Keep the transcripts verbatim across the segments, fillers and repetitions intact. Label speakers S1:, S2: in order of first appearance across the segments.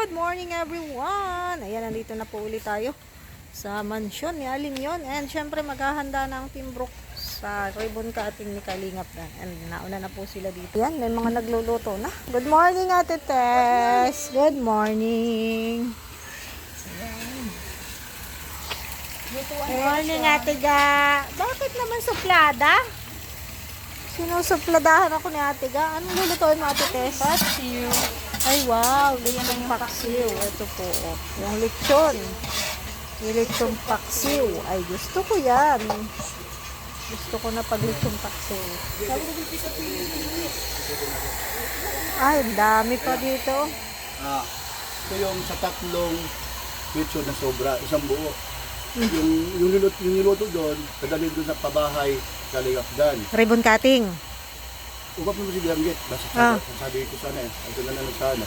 S1: Good morning everyone! Ayan, nandito na po ulit tayo sa mansyon ni Aling yon. And syempre maghahanda ng timbrok sa ribbon cutting ni Kalingap na. And nauna na po sila dito. Yan, may mga nagluluto na. Good morning Ate Tess! Good morning! Good morning Ate Ga! Bakit naman suplada? Sinusupladahan ako ni Ate Ga. Anong lulutuin mo Ate Tess?
S2: Paksiw.
S1: Ay, wow. Lechong paksiw. Ito po. Oh. Yung lechon. Yung lechong paksiw. Ay, gusto ko yan. Gusto ko na pag lechong paksiw. Ay, dami pa dito.
S3: Ah, ito yung sa tatlong lechon na sobra, isang buo. Yung, yung, niluto, yung niluto doon, kadali doon sa pabahay, Kalingap Dan.
S1: Ribbon cutting.
S3: Ugap mo si Bianggit. Basta
S1: Ah.
S3: sabi ko sana eh. Ito na lang sana.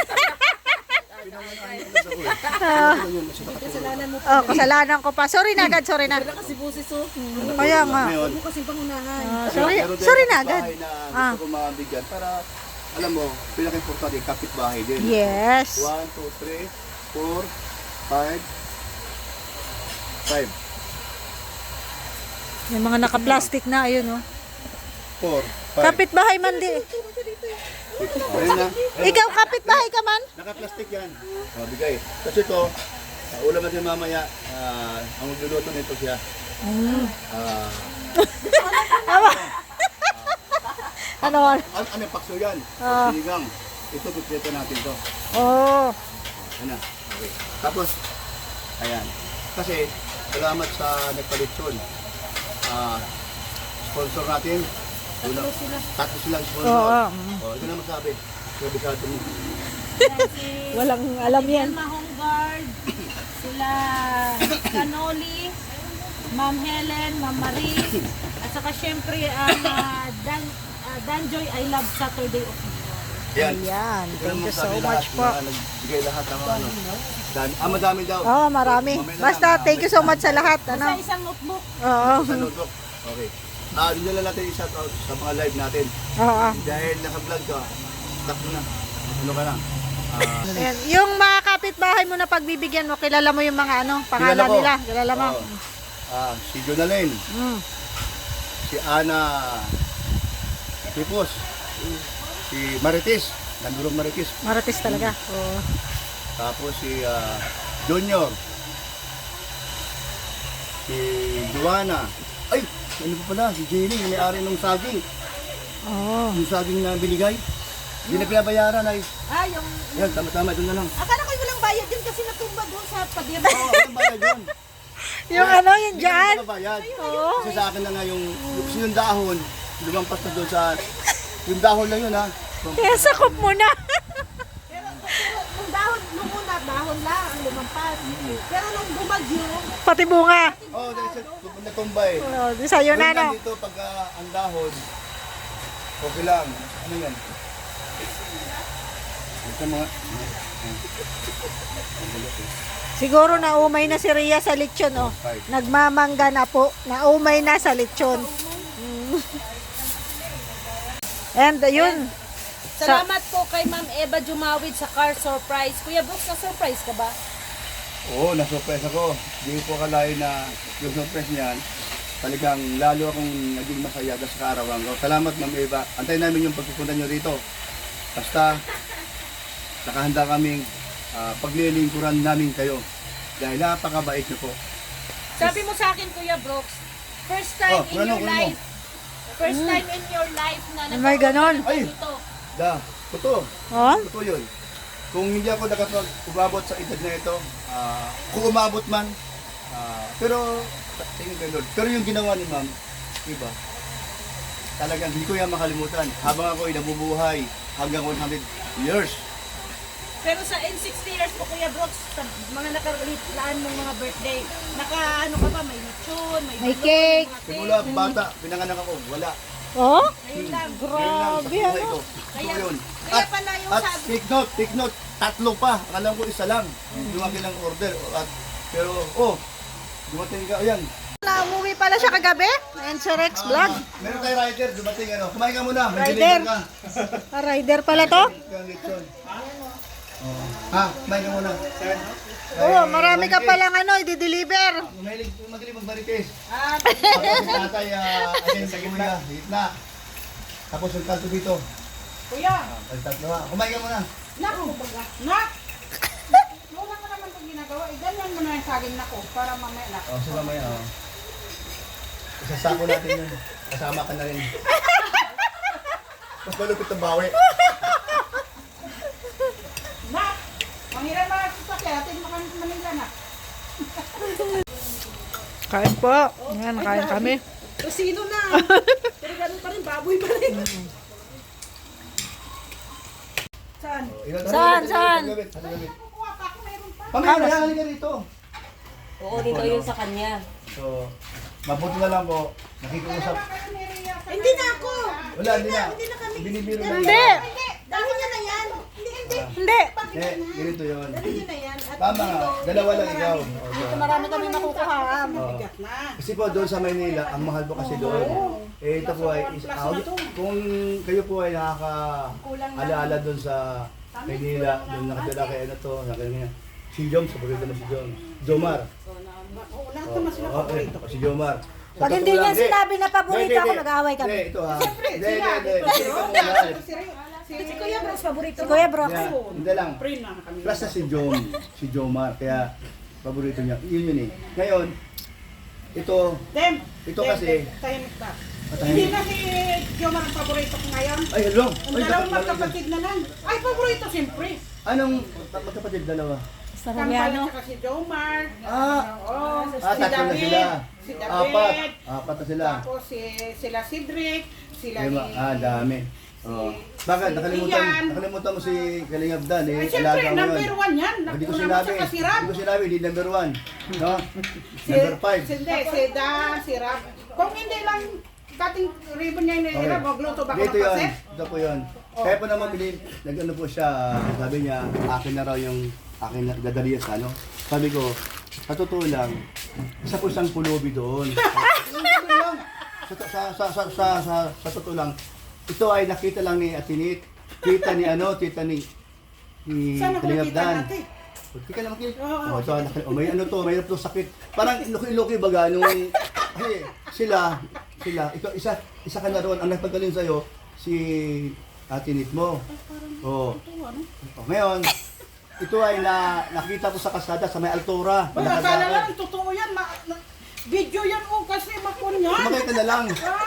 S2: Kasalanan mo
S1: Oh, kasalanan ko pa. Sorry na agad, sorry na.
S2: kasi busis oh.
S1: Kaya nga.
S3: Ngayon,
S2: Mo kasi pangunahan.
S1: Ah, sorry,
S3: meron din
S1: sorry na
S3: kapitbahay
S1: agad.
S3: na
S1: Ah.
S3: gusto ko mabigyan para, alam mo, pinaka-importante, kapitbahay din.
S1: Yes.
S3: one, two, three, four, five, five,
S1: May mga naka-plastic na, ayun oh.
S3: four, five.
S1: Kapitbahay man di.
S3: Ayun na.
S1: Ikaw kapitbahay ka man?
S3: Naka-plastic yan. O, bigay. Kasi ito, uh, ulam natin mamaya, ah, ang magluluto nito siya.
S1: Mm.
S3: Ah,
S1: Ano?
S3: ano, ano yung pakso yan?
S1: Ah.
S3: Sinigang. Ito, pipito natin to.
S1: Oh.
S3: Ano? Okay. Tapos, ayan. Kasi, salamat sa nagpalitson. Ah, sponsor natin. Tatlo sila. Tatlo silang sponsor.
S1: Oo.
S3: Oh, ito na masabi. Sabi sa atin mo.
S1: Walang alam yan.
S2: Mahong guard, sila Canoli, Ma'am Helen, Ma'am Marie, at saka syempre ang uh, Dan, uh, Danjoy I Love Saturday of
S3: Ayan.
S1: Ayan.
S3: Ito
S1: Thank
S3: naman
S1: you so
S3: sabi
S1: much
S3: lahat,
S1: po.
S3: mga Nagbigay lahat ng ano. Dan, ah, madami daw.
S1: Oh, marami.
S3: Mamaya na
S1: Basta
S3: lang,
S1: thank you so much sa lahat.
S2: Sa
S1: Ano?
S2: isang notebook.
S1: Oo.
S3: Sa notebook. Okay. Ah, din na natin i-shout out sa mga live natin.
S1: Oo.
S3: Dahil naka-vlog ka, stop mo na. Ano ka na? Ah,
S1: Ayan. Yung mga kapitbahay mo na pagbibigyan mo, kilala mo yung mga ano, pangalan
S3: kilala ko.
S1: nila. Kilala mo.
S3: Oo. Ah, si Jonalyn,
S1: Mm.
S3: si Ana Tipos, si Marites, Nandurong Marites.
S1: Maratis talaga. Oo.
S3: Tapos si ah, Junior, si Joanna. Ay, ano pa pala, si Jenny, yung may-ari ng saging.
S1: Oo.
S3: Yung saging na binigay. Hindi na pinabayaran ay.
S2: Ah, yung...
S3: Yan, tama-tama, doon na lang.
S2: Akala ko walang bayad din kasi natumba doon sa pader.
S3: Oo, walang bayad yun.
S1: Yung ano, yung
S3: Hindi
S1: dyan.
S3: na bayad.
S1: Oo.
S3: Kasi sa akin na nga yung, yung, yung dahon, lumampas na doon sa, yung dahon lang yun ha.
S1: Kaya sakop mo na.
S2: Pero, pero nung dahon, nung una, dahon lang ang lumampas. Pero nung bumagyo,
S1: Pati bunga.
S3: Oo, oh, dahil sa natumba eh.
S1: Oo, di sa'yo na, no?
S3: Dito pag ah, ang dahon, okay lang. Ano yan? Ito mga,
S1: Siguro naumay na si Rhea sa lechon, oh. Nagmamangga na po. Naumay na sa lechon. Mm. And yun. Sa,
S2: salamat po kay Ma'am Eva Jumawid sa car surprise. Kuya Brooks, na-surprise ka ba?
S3: oo, na-surprise ako. Hindi ko akalain na yung surprise niyan, talagang lalo akong naging masaya dahil sa kaarawan ko. Salamat Ma'am Eva. Antayin namin yung pagpupunta nyo rito. Basta, nakahanda kaming uh, paglilingkuran namin kayo. Dahil napakabait nyo po.
S2: Sabi mo sa akin, Kuya Brooks, first time
S3: Oh,
S2: in
S3: kuno,
S2: your
S3: kuno mo.
S2: life, first time in your life na
S1: Oh my ganon.
S3: Ay!
S2: dito.
S3: Da, totoo.
S1: oh?
S3: Totoo yun. Kung hindi ako nakapag-umabot sa edad na ito, ah, kung umabot man, ah, pero, tingin kay Lord, pero yung ginawa ni Ma'am, diba, talagang hindi ko yan makalimutan. Habang ako ay nabubuhay hanggang one hundred years.
S2: Pero sa in sixty years po, Kuya Brooks, sa mga nakalaan mong mga birthday, naka ano ka ba, may lechon, may,
S1: May
S2: balloon,
S1: cake.
S2: mga
S3: Simula bata, pinanganak ako, wala.
S1: Oh?
S2: Ayun lang.
S3: Yun lang sa
S1: Grabe,
S3: buhay
S1: ano?
S3: ko. Ito
S2: Kaya-
S3: yun.
S2: kaya
S3: At,
S2: pala yung
S3: at
S2: sabi-
S3: take note, take note, tatlo pa. Alam ko isa lang. Yung aking lang order. At, pero, oh, dumating ka, ayan.
S1: Na umuwi pala siya kagabi. And sa Rex Vlog.
S3: Meron tayo rider, dumating ano. Kumain ka muna, may
S1: Rider.
S3: deliver ka.
S1: Ah, rider pala to.
S3: Kang lechon. Oh. Ha? Kumain ka muna.
S1: Oo, marami ka palang ano, i-deliver.
S3: Mahilig magaling magbarites.
S2: Ah,
S3: Tapos si tatay, ah, ayun sa gitna, sa gitna. Tapos yung kalto dito.
S2: kuya.
S3: Ay, tatlo ha. Kumain ka muna.
S2: Nak, nak. Wala ka naman itong ginagawa. Eh, ganyan mo na yung saging nako para mamaya na.
S3: O, so mamaya, o. Isasako natin yun. Kasama ka na rin. Mas malupit ang bawi.
S2: Nak, manghirap mga sasakyan. Atin mo kami manila na.
S1: Kain po. Yan, kain kami.
S2: Kusino na. Pero ganun pa rin, baboy pa rin. Saan?
S1: Saan, saan?
S2: Kukuha pa ako, meron pa.
S3: Pamaya na, halika rito.
S4: Oo, dito yun sa kanya.
S3: So, mabuti na lang po. Nakikiusap.
S2: Hindi na ako.
S3: Wala, hindi na.
S2: Hindi na kami.
S3: Binibiro na.
S1: Hindi.
S2: Hindi, dahil niya na yan. Hindi, hindi.
S1: Hindi.
S3: Hindi, ganito yun.
S2: Dahil niya na yan. At
S3: Tama nga, dalawa lang ikaw.
S1: Dito marami kami makukuha.
S3: Oo. Kasi po doon sa Maynila, ang mahal po kasi doon. Eh ito po ay, is, ah, kung kayo po ay nakaka-alaala doon sa Maynila, doon nakatira kay ano to, nakatira si Jom, paborito mo si Jom. Jomar.
S2: Oo, lahat naman sila
S3: Oo,
S2: paborito.
S3: eh, si Jomar. Sa
S1: Pag hindi
S3: totoo
S1: niya
S3: lang,
S1: sinabi na paborito
S3: hindi,
S1: ako,
S3: hindi.
S1: nag-aaway kami.
S3: Hindi, ito ha.
S2: Siyempre,
S3: Hindi,
S2: sila.
S3: hindi, hindi. Hindi ka muna.
S2: Si, si Kuya Bros, paborito
S1: Si Kuya Bro.
S3: Yeah, hindi lang.
S2: Friend na kami.
S3: Plus na si Jom, si Jomar, kaya paborito niya. Yun yun eh. Ngayon, ito,
S2: Dem,
S3: Ito
S2: Dem,
S3: kasi-
S2: Dem, tahimik ka.
S3: Matahimik.
S2: Hindi na si Jomar ang paborito ko ngayon.
S3: ay hello.
S2: Ang
S3: Ay,
S2: dalawang
S3: dapat-
S2: magkapatid na lang. Ay, paborito siyempre.
S3: Anong magkapatid dalawa?
S1: Sa
S2: Kampal
S1: Rubiano.
S2: at saka si Jomar.
S3: Ah,
S2: Oo,
S3: ah,
S2: si
S3: tatlo na
S2: David.
S3: sila.
S2: Si David.
S3: Apat. Apat na sila.
S2: Tapos si, sila Cedric. Sila
S3: Ay,
S2: ni...
S3: ma- ah, dami. Oh.
S2: si-
S3: Bakit?
S2: si
S3: Nakalimutan,
S2: Ian.
S3: nakalimutan mo si Kalingap Dan eh.
S2: Ay, siyempre,
S3: Alaga mo
S2: number
S3: yun.
S2: one yan.
S3: Hindi ko
S2: Una mo
S3: sinabi.
S2: saka si Rab.
S3: Hindi ko sinabi, hindi number one. No?
S2: Si,
S3: Number five.
S2: Si, hindi, si Dan, si Rab. Kung hindi lang cutting ribbon niya ni Rab, magluto ba ako
S3: Dito
S2: ng
S3: yun.
S2: paset?
S3: Ito po yun. Kaya po naman bilhin, nag-ano po siya, sabi niya, akin na raw yung akin na dadaliyas ano. Sabi ko, sa totoo lang, isa po isang pulubi doon. Ganun lang. Sa, sa, sa, sa, sa, sa, sa totoo lang, ito ay nakita lang ni Atinit, kita ni ano, tita ni ni
S2: Saan ako
S3: Kalingap
S2: nakita
S3: Dan.
S2: natin?
S3: Hindi ka naman kil.
S2: Oo.
S3: Oh, ito, naki- oh, may ano to, may ano to sakit. Parang iluki-iluki baga nung hey, sila, sila, ikaw isa isa ka na roon ang nagpagaling sa iyo si Atinit mo. Oh. Oh, ngayon, ito ay na nakita ko sa kasada sa may Altura.
S2: Ba, akala lang, totoo yan. Ma, na, video yan oh, kasi makon yan.
S3: Sumakay ka na lang.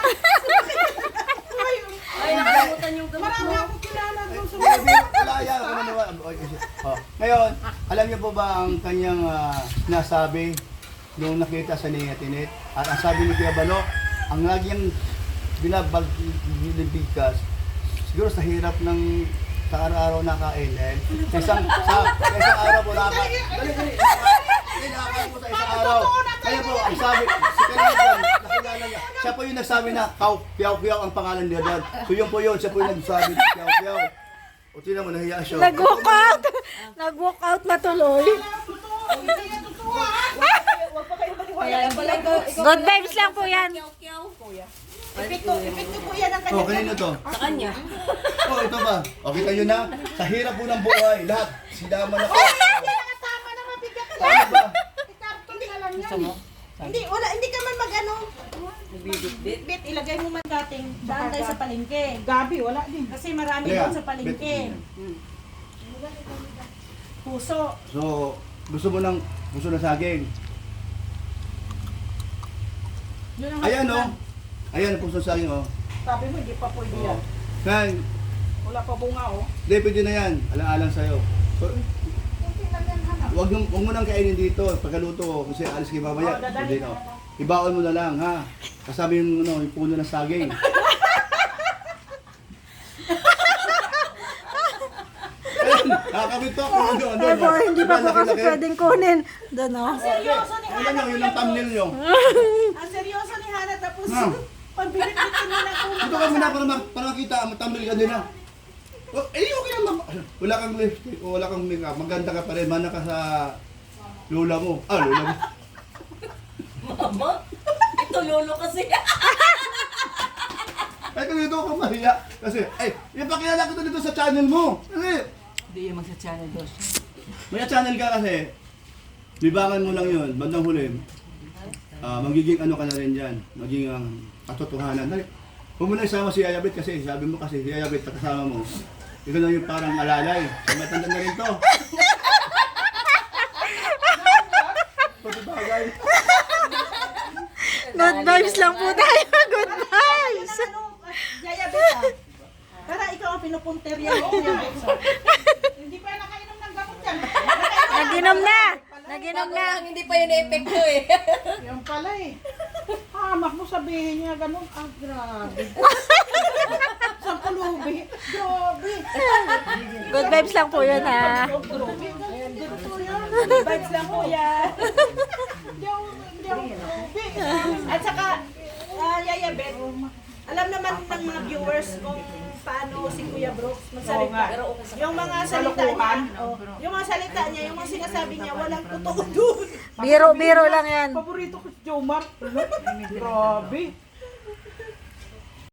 S2: Ay,
S4: Ay, nakalimutan yung gamot
S2: marami
S4: mo.
S2: ako kilala doon sa
S3: Wala wala yan. Ako maniwala. Oh. Ngayon, alam niyo po ba ang kanyang ah, nasabi nung nakita sa ni Atinit? At ang sabi ni Kuya Bano, ang laging binabag binibigkas, siguro sa hirap ng sa araw-araw nakain eh. Sa isang, sa, sa isang araw po nakain. Dali, dali. Dali, nakain po sa isang araw. Kaya po, ang sabi, si Kalingap, nakilala niya. Siya po yung nagsabi na, Kaw, Piyaw, Piyaw ang pangalan niya dad. So yun po yun, siya po yung nagsabi, Piyaw, Piyaw. O tinan mo, nahiya siya.
S1: Nag-walk out. Nag-walk out na tuloy.
S4: Kaya pala ikaw, ikaw
S1: Good vibes lang po yan.
S4: kyaw-kyaw.
S2: Epekto, epekto po yan ang
S3: Oh,
S2: kanya.
S3: kanino to?
S4: Sa kanya.
S3: Oh, ito ba? Okay kayo na? Sa hirap po ng buhay, lahat. Sinama na ko.
S2: Tama na mabigyan ka
S3: Ano ba?
S2: Ikarton na lang yan. Hindi, wala, hindi ka man mag-ano.
S4: Bibit-bit.
S2: Bit, ilagay mo man dating.
S5: Daan tayo sa palengke.
S2: Gabi, wala din.
S5: Kasi marami
S3: Kaya,
S5: doon sa palengke.
S3: bet-
S5: Puso.
S3: So, gusto mo ng gusto ng saging.
S2: Yun ang
S3: Ayan
S2: hatulan.
S3: oh. Ayan ang puso ng saging oh.
S2: Sabi mo, hindi pa pwede yan.
S3: Yan.
S2: Wala pa bunga, oh.
S3: Hindi, pwede na yan. Alang-alang sa'yo. So, Huwag mo, huwag mo nang kainin dito, pagkaluto ko, kasi alis kayo mamaya.
S2: Oh, dadali
S3: Hindi,
S2: na,
S3: no. Ibaon mo na lang, ha? Kasama yung, ano, yung puno ng saging. Ayun, nakakabit to ako doon, doon.
S1: Eh po, hindi pa po kasi
S3: Laki-laki.
S1: pwedeng kunin. Doon o.
S5: Seryoso ni
S3: Ano
S5: Hana.
S3: nyo, yun ang thumbnail nyo.
S5: Ang seryoso ni Hana. Tapos,
S3: Ha?
S5: pagbibitin nila kung
S3: Ito ka muna para, ma- para makita, matambal ka din ha. Oh, eh, okay lang. ma- Wala kang lipstick o wala kang makeup. Maganda ka pa rin. Mana ka sa lula mo. Ah, lula mo.
S4: Mama, ito lolo kasi.
S3: Ay, kung dito ka mahiya. Kasi, ay, ipakilala ko to dito sa channel mo. Kasi,
S6: Hindi yung magsa-channel dos.
S3: May channel ka kasi, libangan mo lang yun, bandang huli. Ah, magiging ano ka na rin dyan, magiging ang katotohanan. Dali, huwag mo na isama si Yayabit kasi, sabi mo kasi si Yayabit, kasama mo. Ikaw na yung parang alalay. Matanda na rin to. Pagkabagay.
S1: Good vibes lang po tayo. Good vibes.
S5: Ano, Yaya Beta. Tara, ikaw ang pinupunterya mo. Yaya Beta. Hindi pa nakainom ng gamot yan.
S1: Naginom na. Naginom
S4: Bago
S1: na.
S4: lang, hindi pa yun na-epekto eh.
S5: Yan pala eh. Hamak mo sabihin niya ganun. Ah, grabe. Sa pulubi. Grabe.
S1: Good vibes lang po yun ha.
S5: Grabe. Good po yan. Good vibes lang po yan. Hindi ako, hindi ako grabe. At saka, ah, Yaya Bet, alam naman ng mga viewers kung paano si Kuya Brooks magsalita. Yung mga salita niya, oh, yung mga salita niya, yung mga sinasabi niya, walang totoo doon.
S1: Biro-biro lang yan.
S5: Paborito ko si Jomar. Grabe.